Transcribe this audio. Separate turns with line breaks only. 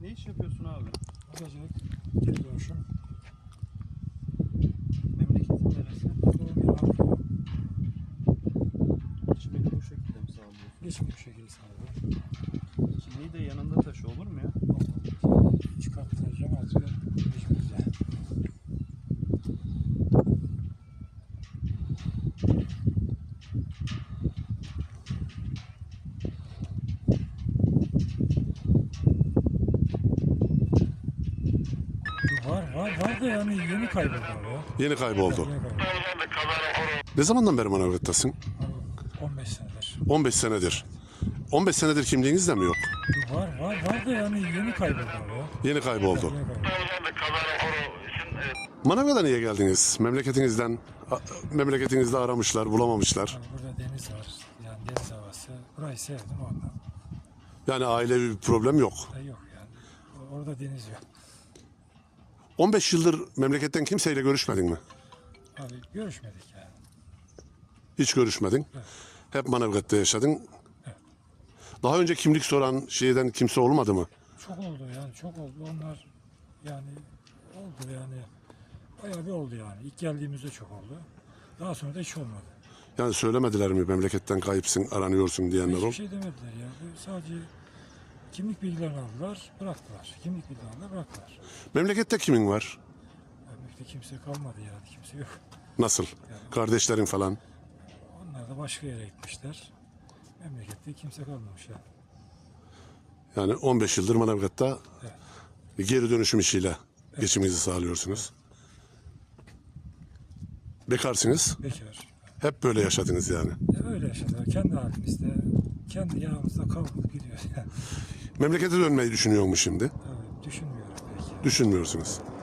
Ne iş yapıyorsun abi?
Bagajılık, geri dönüşüm.
Memleketin neresi?
Doğum yeri Ankara.
Geçimini bu şekilde mi sağlıyorsun?
Geçimli bir şekilde sağlıyorum.
Kimliği de yanında taşı olur mu ya?
Çıkartacağım azıcık. Mecburca. Var da yani yeni kayboldu abi ya.
Yeni kayboldu.
Yeni kayboldu.
Ne zamandan beri Manavgat'tasın?
Abi, 15 senedir.
15 senedir. 15 senedir kimliğiniz de mi yok?
Var da yani yeni kayboldu abi ya.
Yeni kayboldu.
Yeni kayboldu.
Manavgat'a niye geldiniz? Memleketinizde aramışlar, bulamamışlar.
Abi burada deniz var. Yani deniz havası. Burayı sevdim ondan.
Yani ailevi bir problem yok.
Yok yani. Orada deniz yok.
15 yıldır memleketten kimseyle görüşmedin mi?
Abi görüşmedik yani.
Hiç görüşmedin.
Evet.
Hep Manavgat'ta yaşadın.
Evet.
Daha önce kimlik soran şeyden kimse olmadı mı?
Çok oldu yani, çok oldu. Onlar yani oldu yani. Bayağı bir oldu yani. İlk geldiğimizde çok oldu. Daha sonra da hiç olmadı.
Yani söylemediler mi memleketten kayıpsın, aranıyorsun diyenler
Hiçbir
ol?
şey demediler ya. Sadece kimlik bilgilerini aldılar, bıraktılar. Kimlik bilgilerini aldılar, bıraktılar.
Memlekette kimin var?
Memlekette kimse kalmadı yani, kimse yok.
Nasıl? Kardeşlerin falan.
Onlar da başka yere gitmişler. Memlekette kimse kalmamış yani.
Yani 15 yıldır Manavgat'ta
Evet.
geri dönüşüm işiyle geçiminizi sağlıyorsunuz. Bekarsınız.
Bekar.
Hep böyle yaşadınız yani.
Öyle yaşadılar. Kendi halimizde, kendi yağımızda kavrulup gidiyoruz yani.
Memlekete dönmeyi düşünüyor mu şimdi?
Tabii düşünmüyorum belki.
Düşünmüyorsunuz.